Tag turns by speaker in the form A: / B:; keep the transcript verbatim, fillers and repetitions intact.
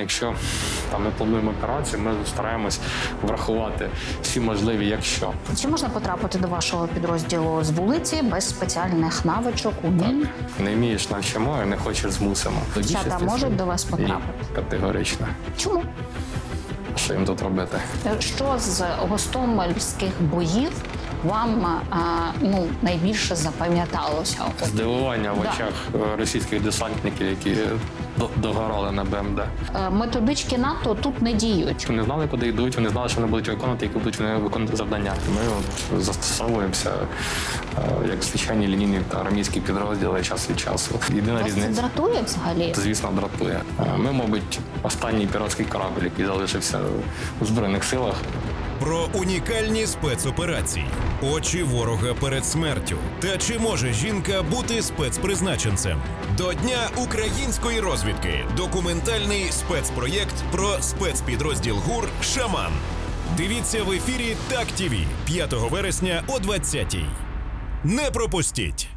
A: якщо там ми плануємо операцію, ми стараємось врахувати всі можливі «якщо».
B: Чи можна потрапити до вашого підрозділу з вулиці без спеціальних навичок, умінь?
A: Не вмієш — навчимо, і не хочеш — змусимо.
B: Дівчата можуть до вас потрапити?
A: Ні, категорично.
B: Чому?
A: Що їм тут робити?
B: Що з гостомельських боїв вам а, ну, найбільше запам'яталося?
A: Здивування в
B: Да.
A: очах російських десантників, які до- догорали на БМД.
B: Е, Методички НАТО тут не діють.
A: Вони знали, куди йдуть, вони знали, що вони будуть виконувати, які будуть вони виконувати завдання. Ми от застосовуємося е, як звичайні лінійні та армійські підрозділи час від часу. Єдина
B: Вас це
A: різниця,
B: дратує взагалі?
A: звісно, дратує. Е, Ми, мабуть, останній піратський корабль, який залишився у Збройних силах.
C: Про унікальні спецоперації, очі ворога перед смертю. Та чи може жінка бути спецпризначенцем? До Дня української розвідки. Документальний спецпроєкт про спецпідрозділ ГУР «Шаман». Дивіться в ефірі Так ТІВІ п'ятого вересня о двадцятій. Не пропустіть!